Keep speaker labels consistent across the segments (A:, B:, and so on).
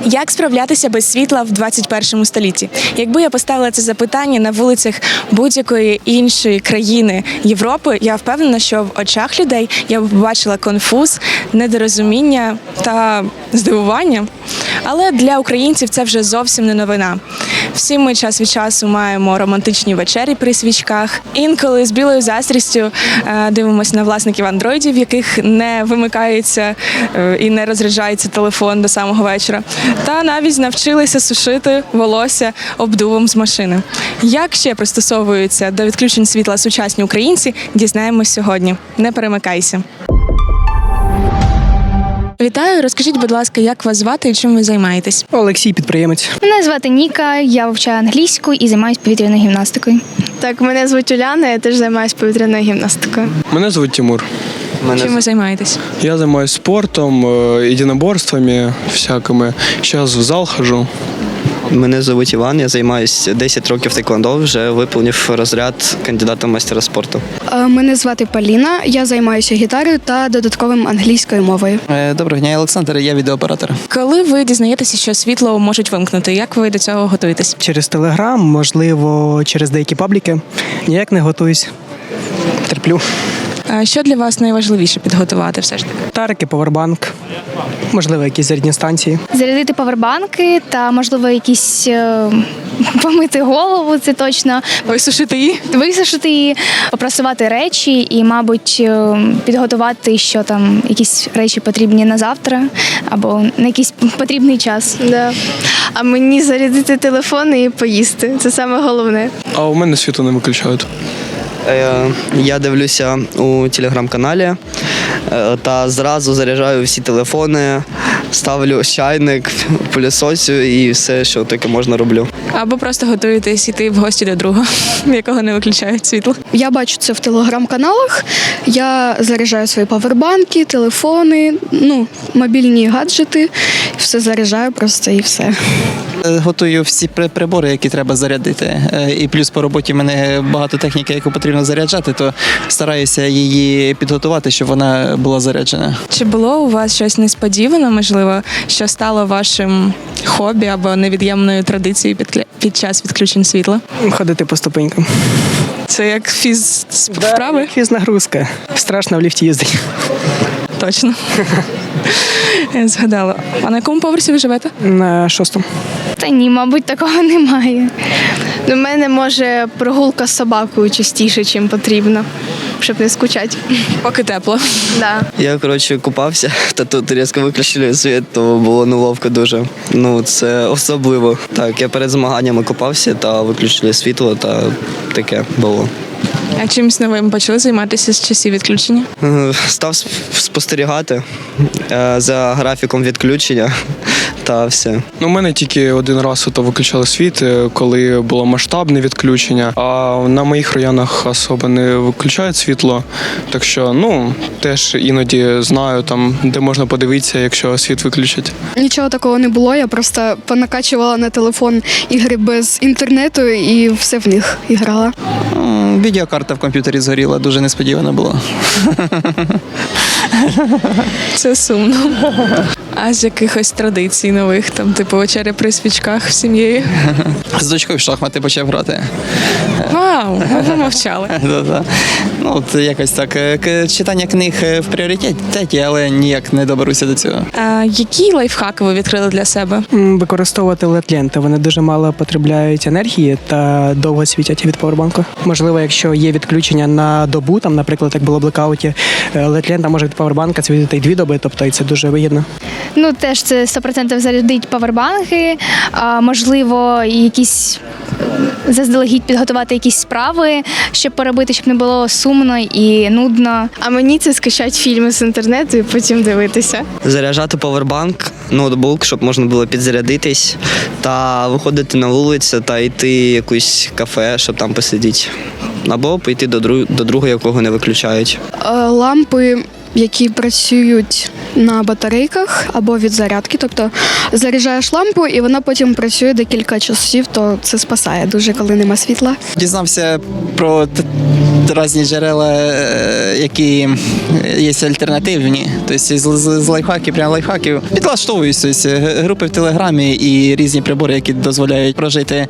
A: Як справлятися без світла в 21 столітті? Якби я поставила це запитання на вулицях будь-якої іншої країни Європи, я впевнена, що в очах людей я б побачила конфуз, недорозуміння та здивування. Але для українців це вже зовсім не новина. Всі ми час від часу маємо романтичні вечері при свічках. Інколи з білою заздрістю дивимося на власників андроїдів, в яких не вимикається і не розряджається телефон до самого вечора. Та навіть навчилися сушити волосся обдувом з машини. Як ще пристосовуються до відключень світла сучасні українці, дізнаємось сьогодні. Не перемикайся. Вітаю, розкажіть, будь ласка, як вас звати і чим ви займаєтесь?
B: Олексій, підприємець.
C: Мене звати Ніка, я вивчаю англійську і займаюся повітряною гімнастикою.
D: Так, мене звуть Уляна, я теж займаюся повітряною гімнастикою.
E: Мене звуть Тимур.
A: Чим ви займаєтесь?
E: Я займаюся спортом, единоборствами всякими. Зараз в зал хожу.
F: Мене звуть Іван, я займаюся 10 років тейквондо, вже виповнив розряд кандидата в майстера спорту.
G: Мене звати Поліна, я займаюся гітарою та додатковим англійською мовою.
B: Доброго дня, я Олександр, я відеооператор.
A: Коли ви дізнаєтеся, що світло можуть вимкнути, як ви до цього готуєтесь?
B: Через Телеграм, можливо, через деякі пабліки. Ніяк не готуюсь. Терплю.
A: А що для вас найважливіше підготувати все ж таки?
B: Тарики, повербанк, можливо, якісь зарядні станції.
C: Зарядити павербанки та, можливо, якісь помити голову, це точно.
A: Висушити її?
C: Висушити її, попрасувати речі і, мабуть, підготувати, що там якісь речі потрібні на завтра або на якийсь потрібний час.
D: Да. А мені зарядити телефон і поїсти. Це саме головне.
E: А у мене світло не виключають.
F: Я дивлюся у телеграм-каналі та зразу заряджаю всі телефони, ставлю чайник, пилісосю і все, що таке можна, роблю.
A: Або просто готуєтесь іти в гості до друга, в якого не виключають світло.
G: Я бачу це в телеграм-каналах. Я заряджаю свої павербанки, телефони, мобільні гаджети. Все заряджаю просто і все.
H: Готую всі прибори, які треба зарядити. І плюс по роботі в мене багато техніки, яку потрібно заряджати, то стараюся її підготувати, щоб вона була заряджена.
A: Чи було у вас щось несподіване, можливо, що стало вашим хобі або невід'ємною традицією під час відключень світла?
B: Ходити по ступенькам.
A: Це як вправи?
B: Фізнагрузка. Страшно в ліфті їздити.
A: Точно. Я згадала. А на якому поверсі ви живете?
B: На 6-му.
C: Та ні, мабуть, такого немає.
D: У мене, може, прогулка з собакою частіше, ніж потрібно, щоб не скучати.
A: Поки тепло.
D: Да.
F: Я, купався, та тут різко виключили світ, то було неловко дуже. Це особливо. Так, я перед змаганнями купався та виключили світло, та таке було.
A: А чимось новим почали займатися з часів відключення?
F: Став спостерігати за графіком відключення та все.
E: У мене тільки один раз виключали світ, коли було масштабне відключення, а на моїх районах особо не виключають світло. Так що, теж іноді знаю, там, де можна подивитися, якщо світ виключать.
G: Нічого такого не було, я просто понакачувала на телефон ігри без інтернету і все в них грала.
H: Відеокарта в комп'ютері згоріла, дуже несподівано було.
A: Це сумно. А з якихось традицій нових, там, типу вечеря при свічках з сім'єю?
H: З дочкою в шахмати почав грати.
A: Вау, ви мовчали.
H: Якось так. Читання книг в пріоритеті, але ніяк не доберуся до цього.
A: А які лайфхаки ви відкрили для себе?
B: Використовувати LED-ленти. Вони дуже мало потребляють енергії та довго світять від павербанку. Можливо, якщо є відключення на добу, там, наприклад, як було в блекауті, LED-лента може від павербанка світити й 2 доби, тобто і це дуже вигідно.
C: Теж це 100% зарядить павербанки, можливо, якісь заздалегідь підготувати якісь справи, щоб поробити, щоб не було сумно і нудно.
D: А мені це скачати фільми з інтернету і потім дивитися.
F: Заряджати павербанк, ноутбук, щоб можна було підзарядитись, та виходити на вулицю та йти в якусь кафе, щоб там посидіти. Або піти до друга, якого не виключають.
G: Лампи які працюють на батарейках або від зарядки. Тобто заряджаєш лампу і вона потім працює декілька часів, то це спасає дуже, коли нема світла.
H: Дізнався про різні джерела, які є альтернативні. Тобто з лайфхаків, прямо лайфхаків. Підлаштовуюся. Тобто, групи в Телеграмі і різні прибори, які дозволяють прожити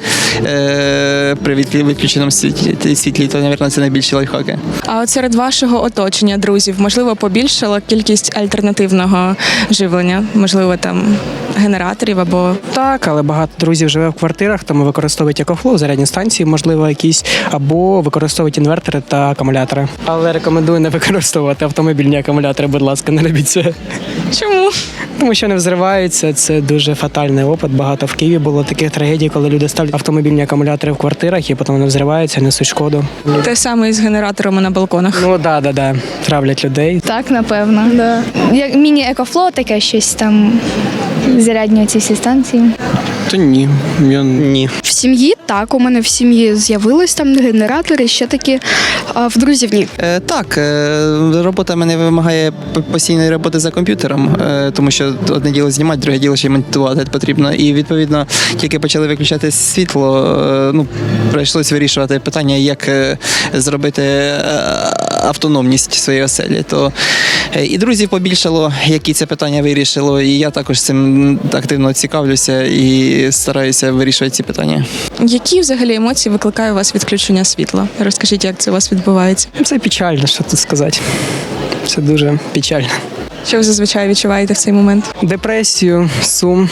H: при відключеному світлі, то, мабуть, це найбільші лайфхаки.
A: А от серед вашого оточення, друзів, можливо, побільшала кількість альтернативного живлення, можливо, там генераторів або
B: Так, але багато друзів живе в квартирах, тому використовують екофлоу, зарядні станції, можливо, якісь, або використовують інвертори та акумулятори. Але рекомендую не використовувати автомобільні акумулятори, будь ласка, не робіть це.
A: чому?
B: Тому що не взриваються, це дуже фатальний опит. Багато в Києві було таких трагедій, коли люди ставлять автомобільні акумулятори в квартирах і потім вони взриваються, несуть шкоду.
A: Те саме і з генераторами на балконах.
B: Ну да, травлять людей.
C: Так, напевно. Да. Як міні-екофло, таке щось там, зарядні ці всі станції.
E: Та ні, я
F: Ні.
G: В сім'ї так, у мене в сім'ї з'явились там генератори, ще такі, а в друзів ні.
H: Так, робота мене вимагає постійної роботи за комп'ютером, тому що одне діло знімати, друге діло ще й монтувати потрібно. І відповідно, тільки почали виключати світло, прийшлось вирішувати питання, як зробити автономність своєї оселі. То і друзів побільшало, які це питання вирішило, і я також цим активно цікавлюся і стараюся вирішувати ці питання.
A: Які взагалі емоції викликає у вас відключення світла? Розкажіть, як це у вас відбувається?
B: Це печально, що тут сказати. Це дуже печально.
A: Що ви зазвичай відчуваєте в цей момент?
B: Депресію, сум.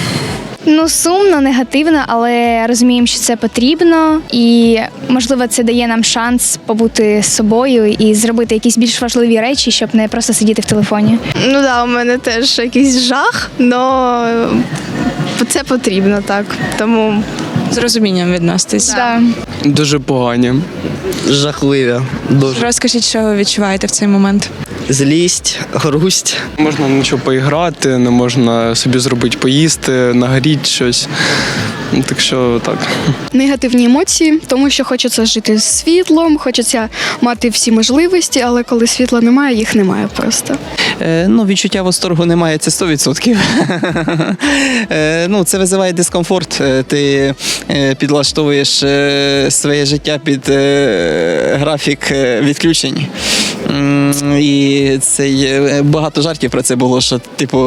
C: Сумно, негативно, але розуміємо, що це потрібно, і можливо це дає нам шанс побути з собою і зробити якісь більш важливі речі, щоб не просто сидіти в телефоні.
D: Ну да, у мене теж якийсь жах, але це потрібно, так. Тому
A: З розумінням відноситесь.
C: Да.
E: дуже погані.
F: Жахливі. Дуже.
A: Розкажіть, що ви відчуваєте в цей момент?
F: Злість, грусть.
E: Можна нічого поіграти, не можна собі зробити поїсти, нагріти щось. Так що так.
G: Негативні емоції, тому що хочеться жити з світлом, хочеться мати всі можливості, але коли світла немає, їх немає просто.
H: Відчуття восторгу немає, це 100%. Це визиває дискомфорт. Ти підлаштовуєш своє життя під графік відключень. І багато жартів про це було, що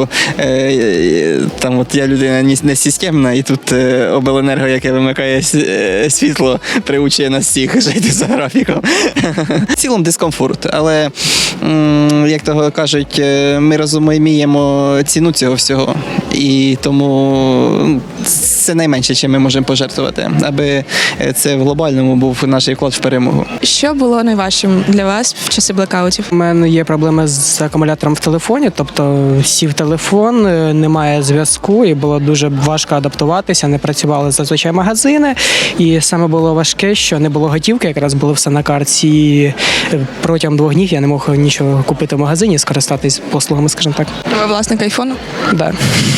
H: я людина не системна, і тут обленерго, яке вимикає світло, приучує нас всіх жити за графіком. В цілому дискомфорт, але, як того кажуть, ми розуміємо ціну цього всього, і тому це найменше, чим ми можемо пожертвувати, аби це в глобальному був наш вклад в перемогу.
A: Що було найважчим для вас в часи блекаутів?
B: У мене є проблеми з акумулятором в телефоні, тобто сів телефон, немає зв'язку, і було дуже важко адаптуватися, не працювали зазвичай магазини. І саме було важке, що не було готівки, якраз було все на карті. І протягом 2 днів я не мог нічого купити в магазині, скористатись послугами, скажімо так.
A: Ви власник айфону?
B: Да.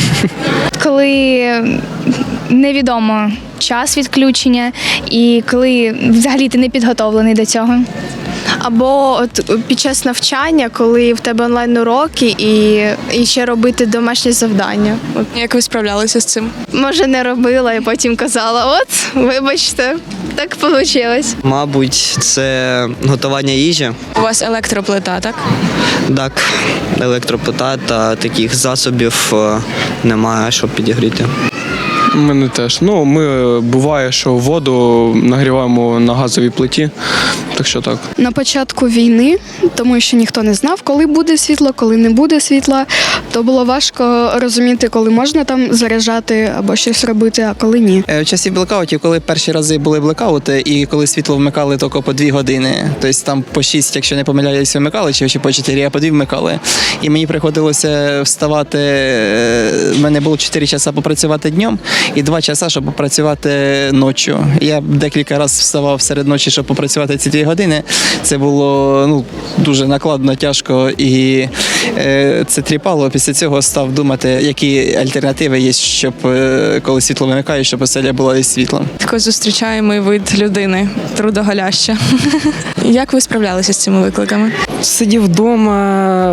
C: Коли невідомо час відключення і коли взагалі ти не підготовлений до цього.
D: або от під час навчання, коли в тебе онлайн-уроки і ще робити домашні завдання. От,
A: Як ви справлялися з цим?
D: може, не робила і потім казала, от, вибачте, так вийшло.
F: Мабуть, це готування їжі.
A: У вас електроплита, так?
F: Так, електроплита та таких засобів немає, щоб підігріти.
E: У мене теж. Ми буває, що воду нагріваємо на газовій плиті, так що так.
G: На початку війни, тому що ніхто не знав, коли буде світло, коли не буде світла, то було важко розуміти, коли можна там заряджати або щось робити, а коли ні.
H: В часі блекаутів, коли перші рази були блекаути, і коли світло вмикали тільки по 2 години, тобто там по 6, якщо не помиляюсь, вмикали, чи по 4, а по 2 вмикали. І мені приходилося вставати, в мене було 4 часа попрацювати днем і 2 часа, щоб попрацювати ночі. Я декілька разів вставав серед ночі, щоб попрацювати ці 2 години. Це було дуже накладно, тяжко і це тріпало. Після цього став думати, які альтернативи є, щоб коли світло вимикає, щоб оселя була із світлом.
A: Такий зустрічаємий вид людини, трудоголяща. Як ви справлялися з цими викликами?
B: Сидів вдома,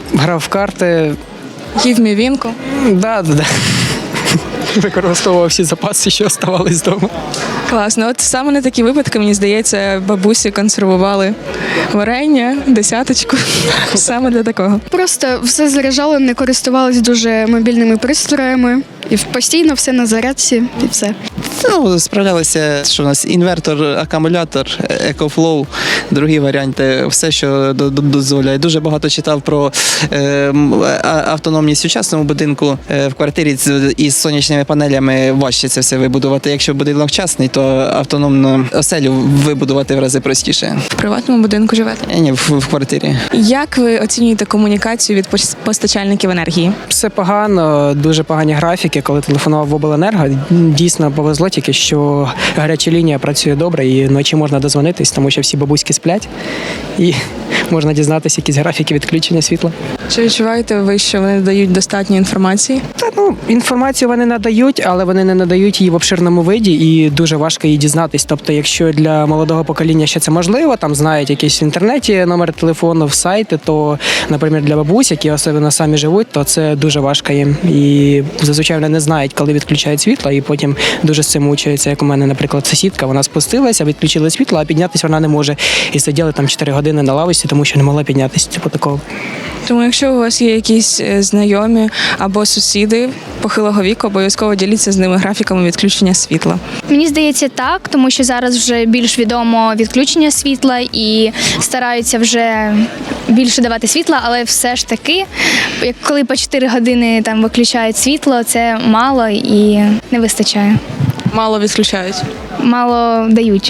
B: Грав в карти.
A: Їв мівінку.
B: Да. Використовував всі запаси, що оставались вдома.
A: Класно. От саме на такі випадки, мені здається, бабусі консервували варення, десяточку. Саме для такого.
G: Просто все заряджали, не користувались дуже мобільними пристроями. І постійно все на зарядці, і все.
H: Ну, справлялися, що у нас інвертор, акумулятор, EcoFlow, другі варіанти, все, що дозволяє. Дуже багато читав про автономність в сучасному будинку. В квартирі із сонячними панелями важче це все вибудувати. Якщо будинок частний, то автономну оселю вибудувати в рази простіше.
A: В приватному будинку живете.
H: Ні, в квартирі.
A: Як ви оцінюєте комунікацію від постачальників енергії?
B: Все погано, дуже погані графіки. Коли телефонував в обленерго, дійсно повезло тільки, що гаряча лінія працює добре і вночі можна дозвонитись, тому що всі бабуськи сплять і можна дізнатися якісь графіки відключення світла.
A: Чи відчуваєте ви, що вони дають достатньо інформації?
B: Інформацію вони надають, але вони не надають її в обширному виді і дуже важко її дізнатись. Тобто, якщо для молодого покоління ще це можливо, там знають якісь в інтернеті номер телефону, сайти, то, наприклад, для бабусь, які особливо самі живуть, то це дуже важко їм. І зазвичай вони не знають, коли відключають світло, і потім дуже з цим мучаються. Як у мене, наприклад, сусідка, вона спустилася, відключили світло, а піднятися вона не може. І сиділи там 4 години на лавочці, тому що не могла піднятися. Типу такого.
A: Тому якщо у вас є якісь знайомі або сусіди похилого віку, обов'язково діліться з ними графіками відключення світла.
C: Мені здається, так, тому що зараз вже більш відомо відключення світла і стараються вже більше давати світла, але все ж таки, як коли по 4 години там виключають світло, це мало і не вистачає.
A: Мало відключають.
C: Мало дають.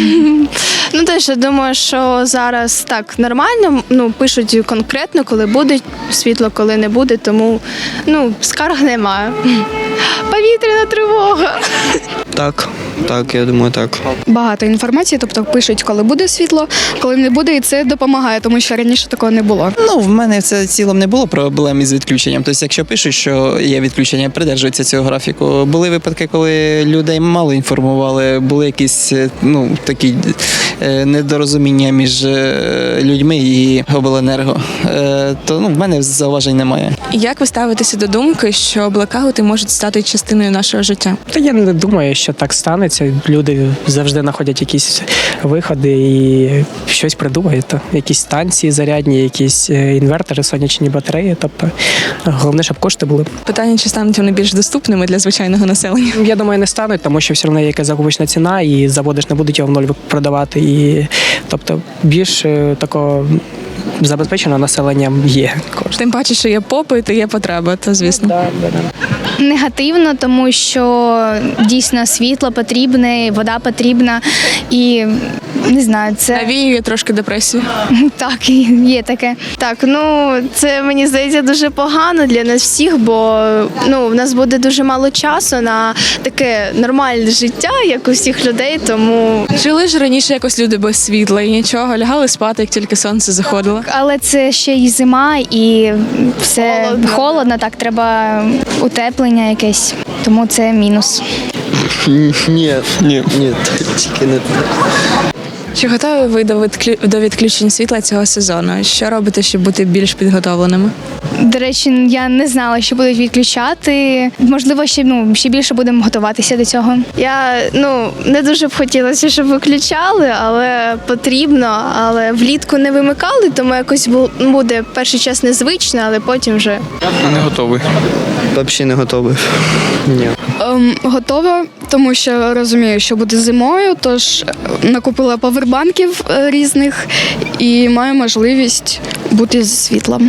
D: Ну теж я думаю, що зараз так нормально. Пишуть конкретно, коли буде світло, коли не буде, тому скарг немає. Повітряна тривога.
F: Так, я думаю, так.
G: Багато інформації, тобто пишуть, коли буде світло, коли не буде, і це допомагає, тому що раніше такого не було.
H: Ну, в мене це цілом не було проблем із відключенням. Тобто, якщо пишуть, що є відключення, придержуються цього графіку. Були випадки, коли людей мало інформували, були якісь такі недорозуміння між людьми і обленерго. То в мене зауважень немає.
A: Як ви ставитеся до думки, що блекаути можуть стати частиною нашого життя?
B: Та я не думаю, що так станеться. Люди завжди знаходять якісь виходи і щось придумають. Якісь станції зарядні, якісь інвертори, сонячні батареї. Тобто головне, щоб кошти були.
A: Питання, чи стануть вони більш доступними для звичайного населення?
B: Я думаю, не стануть, тому що все одно є якась закупочна ціна, і заводи ж не будуть його в ноль продавати. І тобто більш такого забезпеченого населення є кошти.
A: Тим паче, що є попит і є потреба, то звісно.
C: Негативно, тому що дійсно світло потрібне, вода потрібна і не знаю, це
A: Навіює трошки депресію.
C: так, є таке.
D: Так, це мені здається дуже погано для нас всіх, бо в нас буде дуже мало часу на таке нормальне життя, як у всіх людей, тому
A: Жили ж раніше якось люди без світла і нічого, лягали спати, як тільки сонце заходило.
C: Але це ще й зима і все холодно, так, треба утеплення якесь, тому це мінус.
F: Ні,
E: Ні.
F: тільки не так.
A: Чи готові ви до відключень світла цього сезону? Що робите, щоб бути більш підготовленими?
C: До речі, я не знала, що будуть відключати. Можливо, ще більше будемо готуватися до цього.
D: я не дуже б хотілося, щоб виключали, але потрібно. Але влітку не вимикали, тому якось буде перший час незвично, але потім вже.
E: Не готовий.
F: Взагалі не готовий. Ні.
G: Готова, тому що розумію, що буде зимою, тож накупила павербанків різних і маю можливість бути зі світлом.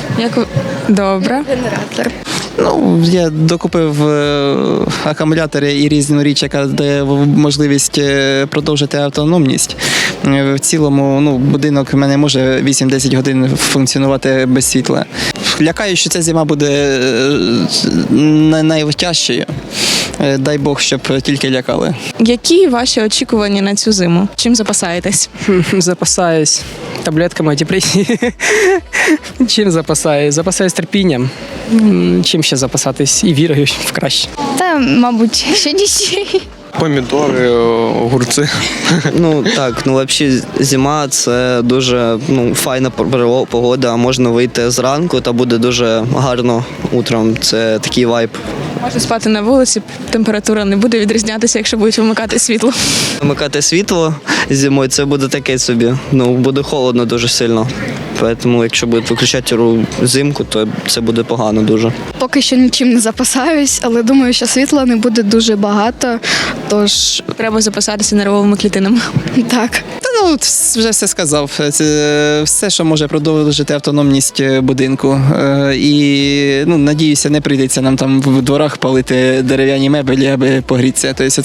A: Добре.
G: Генератор.
H: Я докупив акумулятори і різну річ, яка дає можливість продовжити автономність. В цілому, будинок в мене може 8-10 годин функціонувати без світла. Лякаю, що ця зима буде найтяжчою. Дай Бог, щоб тільки лякали.
A: Які ваші очікування на цю зиму? Чим запасаєтесь?
B: Запасаюсь таблетками депресії. Чим запасаюсь? Запасаюсь терпінням. Чим ще запасатись? І вірою в краще.
C: Та, мабуть, ще нічого.
E: Помідори, огурці.
F: Ну так, ну взагалі зима це дуже файна погода. Можна вийти зранку та буде дуже гарно утром. Це такий вайб.
A: Можна спати на вулиці, температура не буде відрізнятися, якщо будуть вимикати світло.
F: Вмикати світло зимою це буде таке собі. Буде холодно дуже сильно. Тому якщо будуть виключати взимку, то це буде погано дуже.
G: Поки що нічим не запасаюсь, але думаю, що світла не буде дуже багато. Тож
A: Треба запасатися нервовими клітинами.
G: так.
H: Та ну вже все сказав. Це все, що може продовжити автономність будинку. І надіюся, не прийдеться нам там в дворах палити дерев'яні мебелі, аби погрітися. Тобто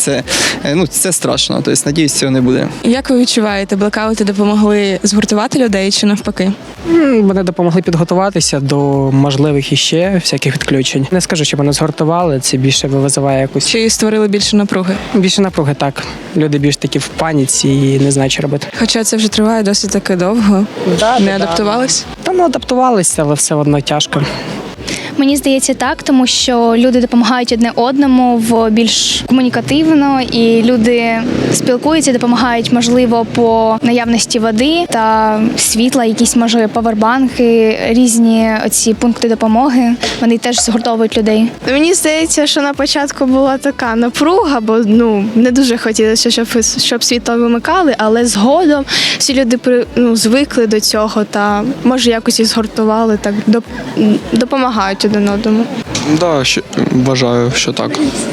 H: це страшно. Тобто, надіюсь, цього не буде.
A: Як ви відчуваєте, блекаути допомогли згуртувати людей чи навпаки?
B: Вони допомогли підготуватися до можливих іще всяких відключень. Не скажу, що вони згуртували, це більше визиває якусь
A: Чи створили більше напруги?
B: більше напруги, так. Люди більш такі в паніці і не знають, що робити.
A: Хоча це вже триває досить таки довго. Не адаптувались?
B: Та адаптувалися, але все одно тяжко.
C: Мені здається так, тому що люди допомагають одне одному в більш комунікативно, і люди спілкуються, допомагають, можливо, по наявності води та світла, якісь, може, павербанки, різні оці пункти допомоги. Вони теж згуртовують людей.
D: Мені здається, що на початку була така напруга, бо не дуже хотілося, щоб світло вимикали, але згодом всі люди звикли до цього та може якось і згуртували, так допомагають один одному.
E: Да, вважаю, що так.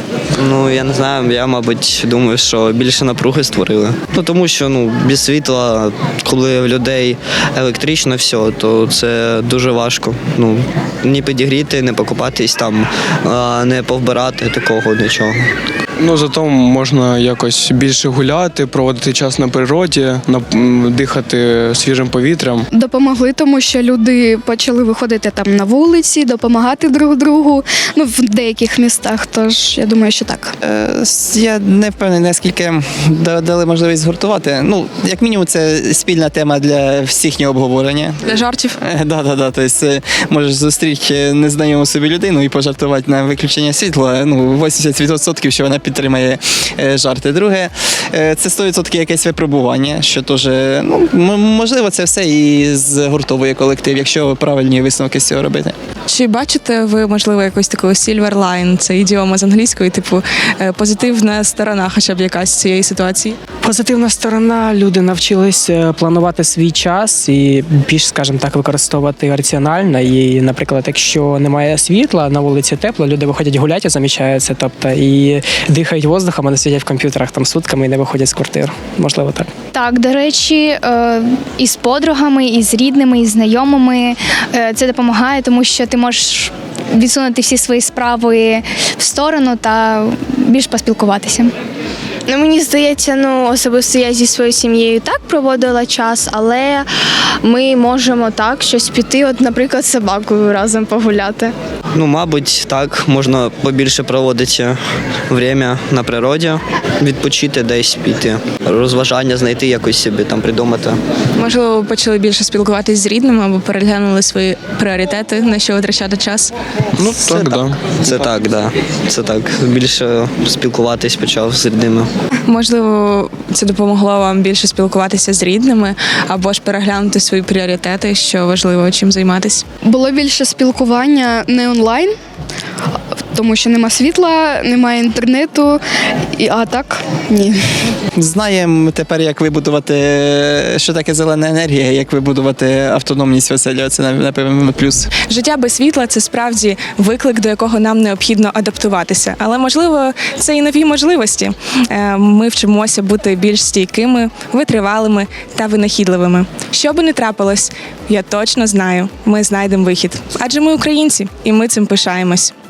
F: Я не знаю, я, мабуть, думаю, що більше напруги створили. Тому що без світла, коли в людей електрично все, то це дуже важко. Ні підігріти, не покупатись там, не повбирати такого нічого.
E: Зато можна якось більше гуляти, проводити час на природі, дихати свіжим повітрям.
G: Допомогли, тому що люди почали виходити там на вулиці, допомагати друг другу, в деяких містах. Тож я думаю, що так.
H: Я не впевнений, наскільки дали можливість згуртувати. Як мінімум, це спільна тема для всіх обговорення.
A: Для жартів?
H: Да. Тобто можеш зустріти незнайому собі людину і пожартувати на виключення світла. 80%, що вона підтримає жарти. Друге, це 100% якесь випробування, що теж, можливо, це все і згуртовує колектив, якщо правильні висновки з цього робити.
A: Чи бачите ви, можливо, якусь таку silver line, це ідіома з англійської, типу позитивна сторона хоча б якась цієї ситуації?
B: Позитивна сторона, люди навчились планувати свій час і більш, скажімо так, використовувати раціонально. І, наприклад, якщо немає світла, на вулиці тепло, люди виходять гуляти, замічаються, тобто і дихають воздухом, а не сидять в комп'ютерах там сутками і не виходять з квартир. Можливо, так.
C: Так, до речі, і з подругами, і з рідними, і з знайомими це допомагає, тому що ти можеш відсунути всі свої справи в сторону та більш поспілкуватися.
D: Мені здається, особисто я зі своєю сім'єю так проводила час, але ми можемо так щось піти, наприклад, з собакою разом погуляти.
F: Мабуть, так, можна побільше проводити время на природі, відпочити десь піти, розважання знайти якось собі там придумати.
A: Можливо, ви почали більше спілкуватись з рідними або переглянули свої пріоритети, на що витрачати час?
E: Так, да.
F: Це так, да. Це так. Більше спілкуватись почав з рідними.
A: Можливо, це допомогло вам більше спілкуватися з рідними або ж переглянути свої пріоритети, що важливо, чим займатися?
G: Було більше спілкування не онлайн, тому що нема світла, немає інтернету, а так ні.
H: Знаємо тепер, як вибудувати, що таке зелена енергія, як вибудувати автономність в оселі. Це, напевно, плюс.
A: Життя без світла – це справді виклик, до якого нам необхідно адаптуватися. Але, можливо, це і нові можливості. Ми вчимося бути більш стійкими, витривалими та винахідливими. Що би не трапилось, я точно знаю, ми знайдемо вихід. Адже ми українці, і ми цим пишаємось.